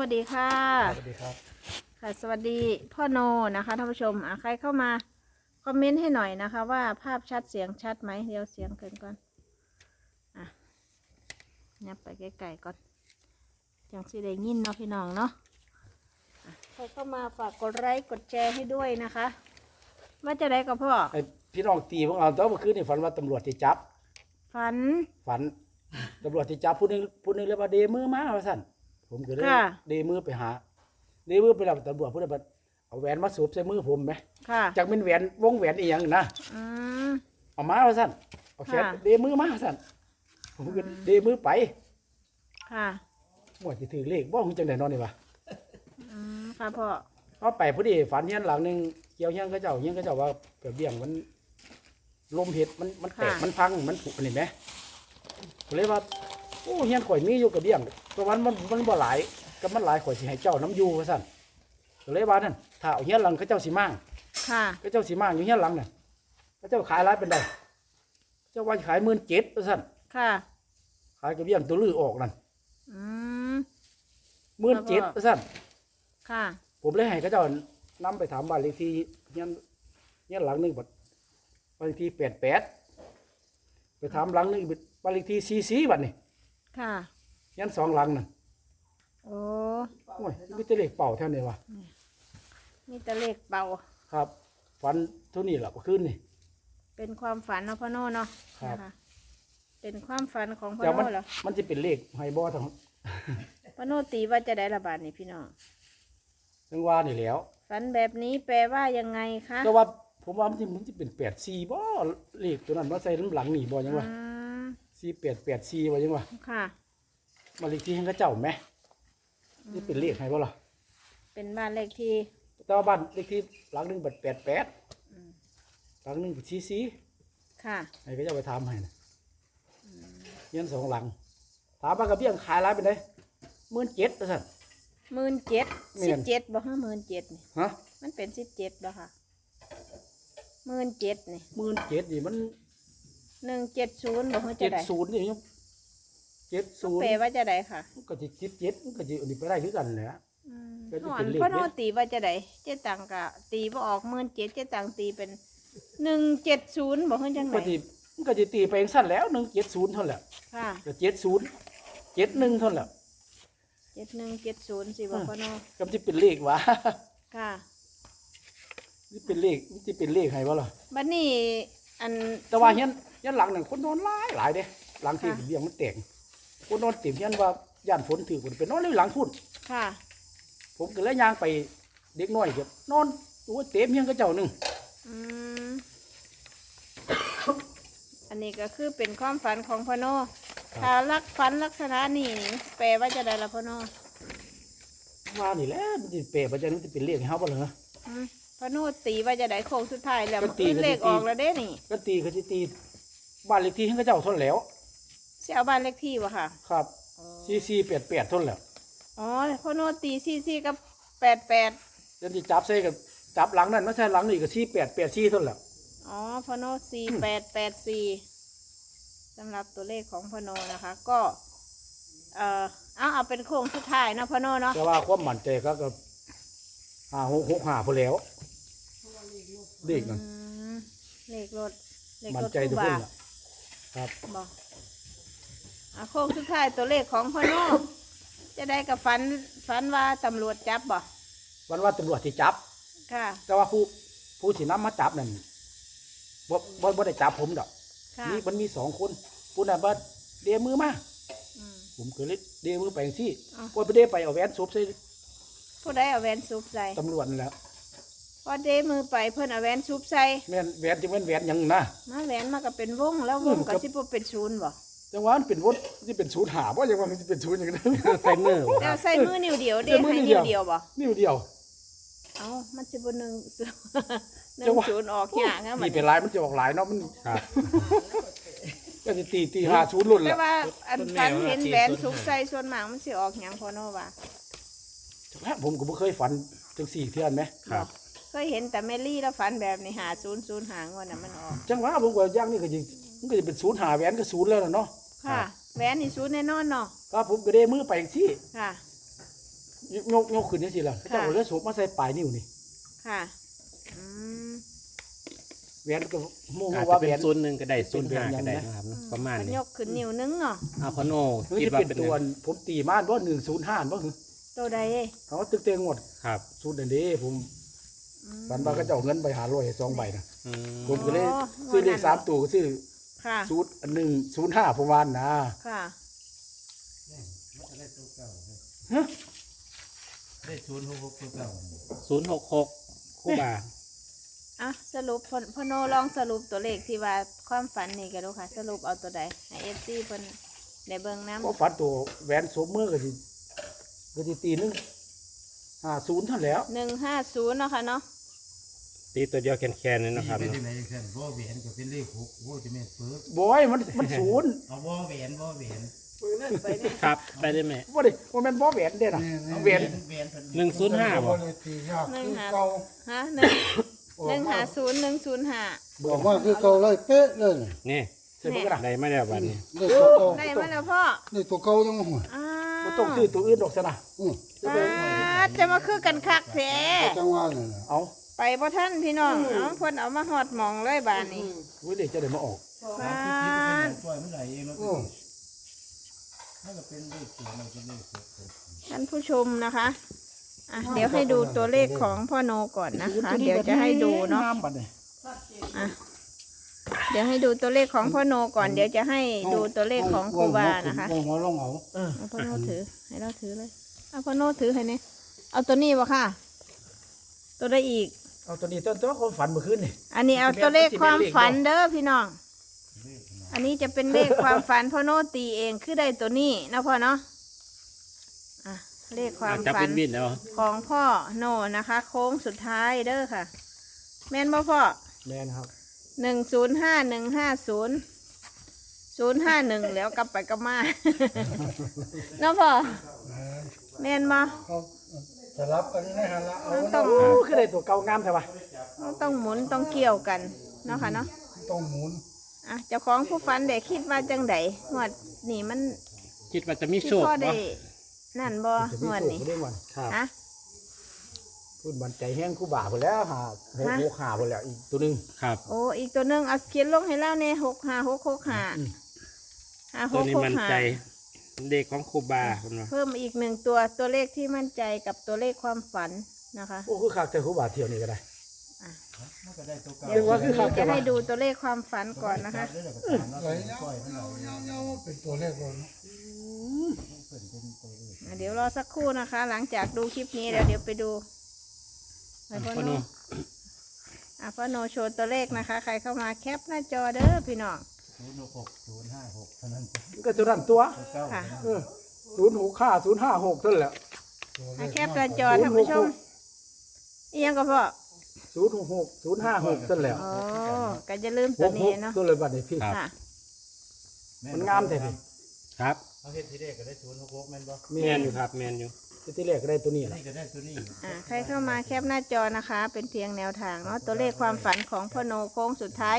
วัสดีค่ะสวัสดีครับค่ะสวัสดีพ่อโนนะคะท่านผู้ชมใครเข้ามาคอมเมนต์ให้หน่อยนะคะว่าภาพชัดเสียงชัดไหมเดี๋ยวเสียงเกินก่อนเนี่ยไปใกล้ๆก่อนจังสิได้ยินเนาะพี่น้องเนาะใครเข้ามาฝากกดไลค์กดแชร์ให้ด้วยนะคะว่าจะได้กับพ่อไอพี่น้องตีพวกเราตอนเมื่อคืนนี่ฝันว่าตำรวจที่จับฝันตำรวจที่จับผู้หนึงเรียกว่าเดมือมาว่าสั่นผมก็เลยเดมือไปหาเดมือไปรับตำรวจผู้ใดบัดเอาแหวนมาสวมใส่มือผมไหมค่ะจากเป็นแหวนวงแหวนอีหยังนะเอามาว่าสั่นเอาแขนเดมือมาสั่นผมก็เดมือไปค่ะหมดที่ถือเลขว่าคงจังได๋นอนนี่วะค่ะพ่อเอาไปพอดีฝันเฮียนหลังนึงเกี่ยวเฮียนเขาเจ้าว่าเกิดเบี้ยงมันลมเห็ดมันแตกมันพังมันผุนี่ไหมก็เลยว่าโอ้เฮียนข่อยมีอยู่กับเบี้ยงเพราะมันบ่หลายก็มันหลายข่อยสิให้เจ้าน้ำอยู่ว่าซั่นก็เลยว่านั่นถ้าเอาเฮียนหลังเขาเจ้าสิมั่งค่ะเขาเจ้าสิมั่งอยู่เฮียนหลังน่ะเขาเจ้าขายหลายเป็นได้เจ้าว่าขาย17,000ว่าซั่นค่ะขายกับเบี้ยงตัวลือออกนั่น17,000ว่าซั่นค่ะผมเลยให้เขาเจ้านำไปถามบ้านเลขที่เฮียนหลังนึงบัดบ้านเลขที่88ไปถามหลังนึงบ้านเลขที่44บัดนี่ค่ะเฮียน2หลังน่ะโอ้ยมีแต่เลขเป่าเท่านี้วะมีแต่เลขเป่าครับฝันเท่านี้แหละเมื่อคืนนี่เป็นความฝันเนาะพ่อโน่เนาะนะคะเป็นความฝันของพ่อโน่เหรอมันจะเป็นเลขไฮบอทั้งพ่อโน่ตีว่าจะได้ระบาดนี่พี่น้องจังว่านี่แล้วฝันแบบนี้แปลว่ายังไงคะแต่ว่าผมว่ามันจะเป็น84บ่เลขตัวนั้นว่าใส่น้ำหลังนี่บ่ยังวะ4884บ่ยังวะค่ะมาเลขที่ให้เขาเจ้าไหมนี่เป็นเลขไฮบ่ล่ะเป็นบ้านเลขที่แต่ว่าบ้านเลขที่หลังนึงบัด88หลังนึงบัด44 ค่ะให้เขาเจ้าไปถามให้นะเฮียน2หลังถามว่ากับเบี้ยงขายหลายเป็นได17,000ว่าซั่น 17,000บ่ฮะ17,000นี่ฮะมันเป็น17บ่ค่ะ17,000นี่ 17,000นี่มัน 170บ่ฮะจะได้ 70นี่70 แปลว่าจะได้ค่ะมันก็สิ17มันก็สิอันนี้ไปได้คือกันแหละพ่อโน่ตีว่าจะได้เจ๊ตังกะตีบ่ออก17,000เจ๊ตังตีเป็น170บ่ฮะจังได๋มันก็สิตีไปจังซั่นแล้ว170เท่านั้นแหละค่ะก็70 71เท่านั้นแหละ 7170สิบ่พ่อโน่ก็สิเป็นเลขวะค่ะนี่เป็นเลขมันสิเป็นเลขให้บ่ล่ะบัดนี้อันแต่ว่าเฮียนหลังนั่นคนนอนหลายเด้หลังที่เลี้ยงมันแตกคนนอนเต็มเฮียนว่าย่านฝนถือฝนไปนอนเลยหลังพุ่นค่ะผมก็เลยย่างไปเด็กน้อยเก็บนอนโอ้เต็มเฮียนก็เจ้านึงอันนี้ก็คือเป็นความฝันของพ่อโน่ถ้าฝันลักษณะนี้แปลว่าจะได้ละพ่อโน่ว่านี่แหละมันสิเปะบ่จังมันสิเป็นเลขให้เฮาบ่ล่ะพ่อโน่ตีว่าจะได้โค้งสุดท้ายแล้วมันเลขออกแล้วเด้นี่ก็ตีก็สิตีบ้านเลขที่ให้เขาเจ้าทนแล้วสิเอาบ้านเลขที่บ่ค่ะครับ4488ทนแล้วอ๋อพ่อโน่ตี44กับ88 เดี๋ยวสิจับใส่กับจับหลังนั่นมาใส่หลังนี่ก็4884ทนแล้วอ๋อพ่อโน่4884สำหรับตัวเลขของพ่อโน่นะคะก็เอาเป็นโค้งสุดท้ายนะพ่อโน่เนาะแต่ว่าความมั่นใจก็5665พอแล้วเลขนั่นเลขรถมั่นใจทุกคนล่ะครับบอกโค้งสุดท้ายตัวเลขของพ่อโน่จะได้กับฝันว่าตำรวจจับบ่วันว่าตำรวจที่จับค่ะแต่ว่าผู้สินำมาจับนั่นบ่ได้จับผมดอกนี่มันมี2คนผู้นั้นว่าเดมือมาผมก็เลยเดมือไปจังซี่บ่ไปเดไปเอาแหวนซุบใส่ผู้ใดเอาแหวนซุบใส่ตำรวจนั่นแหละพอเดมือไปเพิ่นเอาแหวนซุบใส่แม่นแหวนจะเป็นแหวนหยังนะมาแหวนมาก็เป็นวงแล้ววงก็สิบ่เป็นศูนย์บ่จังว่ามันเป็นวงสิเป็นศูนย์หาบ่จังว่ามันสิเป็นศูนย์หยังใส่มือแล้วใส่มือนิ้วเดียวเด้ให้นิ้วเดียวบ่นิ้วเดียวเอ้ามันสิบ่1 0ออกยากนะมันเป็นลายมันจะออกลายเนาะมันครับก็สิตี50รุ่นแหละแต่ว่าอันฝันเห็นแหวนซุบใส่ส่วนมากมันสิออกหยังพ่อโน่ว่าผมก็บ่เคยฝันจัง4เทื่อนแหมครับเคยเห็นแต่แมรี่แล้วฝันแบบนี้50หางวดน่ะมันออกจังว่าผมก็อย่างนี้ก็สิมันก็จะเป็น0หาแหวนก็0แล้วเนาะค่ะแหวนนี่ศูนย์แน่นอนเนาะครับผมก็ได้มือไปจังซี่ค่ะยกขึ้นจังซี่ล่ะเขาเจ้าเอาเลือดสูบมาใส่ปลายนิ้วนี่ค่ะอืมแหวนก็โมโหอาจจะว่าแหเป็วน นศูนย์หนึ่งก็ได้ศูนย์ห้าก็ได้นะครับเนาะประมาณมันนี้ยกขึ้นนิ้วนึงเนาะเอาพอโนหรือคิดจะว่าเป็นเป็นตัวไงผมตีมาบ่105บ่คือตัวใดเอ้ยเขาตึกเตงหมดครับสูตรเด้ผมฝันว่าเขาเจ้าเอาเงินไป500 2ใบนะอืมผมก็เลยซื้อเลข3ตัวก็ซื้อค่ะสูตร105ผมว่านะค่ะได้066ตัวเก่า 066คู่บาอ่ะสรุปพ่อโนลองสรุปตัวเลขที่ว่าความฝันนี่ก็ดูค่ะ สรุปเอาตัวใดให้ FC เพิ่นได้เบิ่งนำก็ฝันตัวแหวนสวมมือก็สิตีนึง50เท่านั้นแหล้ว 150เนาะค่ะเนาะตีตัวเดียวแคนๆเลยนะครับเป็นเนาะจังได๋จังซั่นบ่แหวนก็เป็นเลข6โอ้จะแม่นเปิดบอยมันศูนย์เอาบ่แหวนบ่แหวนครับไปได้ไหมบ่ได้บ่แม่นบ่แหวนเด้น่ะเอาแหวนแหวนเพิ่น 105บ่ตียากคือ 150 เก่าฮะ150 บอกว่าคือเก่าเลยเป๊ะเลยนี่นี่ใส่บ่กระดาษได้มาแล้วบัดนี้ได้ตัวเก่า 1ได้มาแล้วพ่อได้ตัวเก่ายังหัวอ้าบ่ต้องซื้อตัวอื่นดอกซะนะจะมาคือกันคักแท้จังหวะนี่นะเอาไปบ่ท่านพี่น้องเอาเพิ่นเอามาฮอดหมองเลยบาดนี้อุ้ยเด็กจะได้มาออกบ้ามัน นปล่อยมันไหลเองมันก็เป็นเลข0มันเป็นเลข6 ท่านผู้ชมนะคะอ่ะเดี๋ยวให้ดูตัวเลขของพ่อโนก่อนนะคะ เดี๋ยวจะให้ดูเนาะบัดนี้อ่ะเดี๋ยวให้ดูตัวเลขของพ่อโนก่อน เดี๋ยวจะให้ดูตัวเลขของครูบานะคะหัวลงเอาเอาพ่อโนถือให้เราถือเลยเอาพ่อโนถือให้เนี่ยเอาตัวนี้บ่ค่ะ ตัวได้อีกเอาตัวนี้ตัวความฝันเมื่อคืนนี่อันนี้เอาตัวเลขความฝันเด้อพี่น้อง อันนี้จะเป็นเลขความฝันพ่อโนตีเองคือได้ตัวนี้นะพ่อเนาะอ่ะเลขความจะฝัเป็น นวินแล้วของพ่อโนนะคะ โค้งสุดท้ายเด้อค่ะ แม่นบ่พ่อแม่นครับ 105 แล้วกลับไปกลับมา เนาะพ่อแม่นบ่เขาสลับกันในหันละเอาต้องโอ้คือได้ตัวเก่างามแท้ว่ะต้องหมุนต้องเกี่ยวกันเนาะค่ะเนาะต้องหมุนอ่ะเจ้าของผู้ฟันได้คิดว่าจังไดงวดนี่มันคิดว่าจะมีที่โชคพ่อบ่ได้นั่นบ่จะงมีวดโชคนี้เรื่องวันครับฮะพูดบันใจแห้งคู่บ่าพุ่นแล้วหาพุ่นแล้วอีกตัวหนึงครับโอ้อีกตัวหนึงเอาเขียนลงให้แล้วเนี่ย65665 ตัวนี้มันใจ 5665 เด็กของครูบาคุณว่าเพิ่มอีกหนึ่งตัวเลขที่มั่นใจกับตัวเลขความฝันนะคะโอ้คือคักแต่คู่บ่าเที่ยวนี่ก็ได้มันก็ได้ตัวเก่าเดี๋ยวว่าคือเขาจะให้ดูตัวเลขความฝันก่อนนะคะเด้อแล้วก็ตามแล้วไหลปล่อยมันไหลเองเงาเป็นตัวเลขเลยเพิ่นเป็นตัวเลขเดี๋ยวรอสักครู่นะคะ หลังจากดูคลิปนี้แล้วเดี๋ยวไปดูไปพ่อพอโนโนพ่อโนโชว์ตัวเลขนะคะ ใครเข้ามาแคปหน้าจอเด้อพี่น้อง 066 056เท่านั้นมันก็ตัวนั้นตัวตัวเก่าค่ะ 065 056เท่านั้นแหละแคปหน้าจอท่านผู้ชมอียังก็พ่อ 066 056เท่านั้นแหละอ๋อก็จะลืมตัวนี้เนาะตัวเลยบัดนี้พี่ค่ะมันงามแท้พี่ครับเอาเฮ็ดทีแรกก็ได้066แม่นบ่แมนอยู่ครับแมนอยู่ที่แรกก็ได้ตัวนี้แหละนี่ก็ได้ตัวนี้ใครเข้ามาแคปหน้าจอนะคะ เป็นเพียงแนวทางเนาะตัวเลขความฝันของพ่อโนโค้งสุดท้าย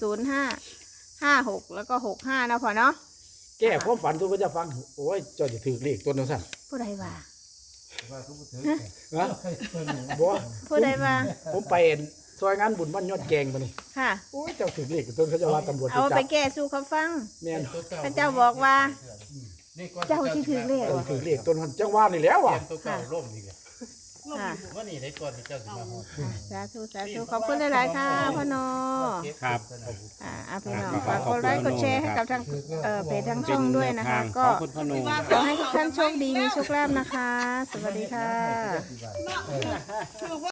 10556แล้วก็65นะพ่อเนาะแก้ความฝันทุกคนจะฟัง โอ้ยเจ้าจะถือเลขตัวนั้นสั่นผู้ใดว่าว่าทุกคนถือนะตัวนี้บ่ผู้ใดว่าผมไปซอยงานบุญบ้านยอดแกงมานี่ค่ะโอ้ยเจ้าถือเลขตัวเขาจะว่าตำรวจเอาจะไปจับแก้สู้เขาฟังแม่นตัวเก่าพระเจ้าบอกว่านี่ก่อนเจ้าสิถือเลขเออถือเลขตัวนั้นจังว่านี่แล้วเตรีว่ะยมตัวเก่าล่มอีกแล้วค่ะว่านี่ได้ก่อนที่เจ้าสิมาฮอดสาธุสาธุขอบคุณหลายๆค่ะพ่อโนครับพี่น้องฝากกดไลค์กดแชร์ให้กับทางเพจทางช่องด้วยนะคะขก็องคุณพ่อโนขอให้ทุกท่านโชคดีมีโชคลาภนะคะ สวัสดีค่ะ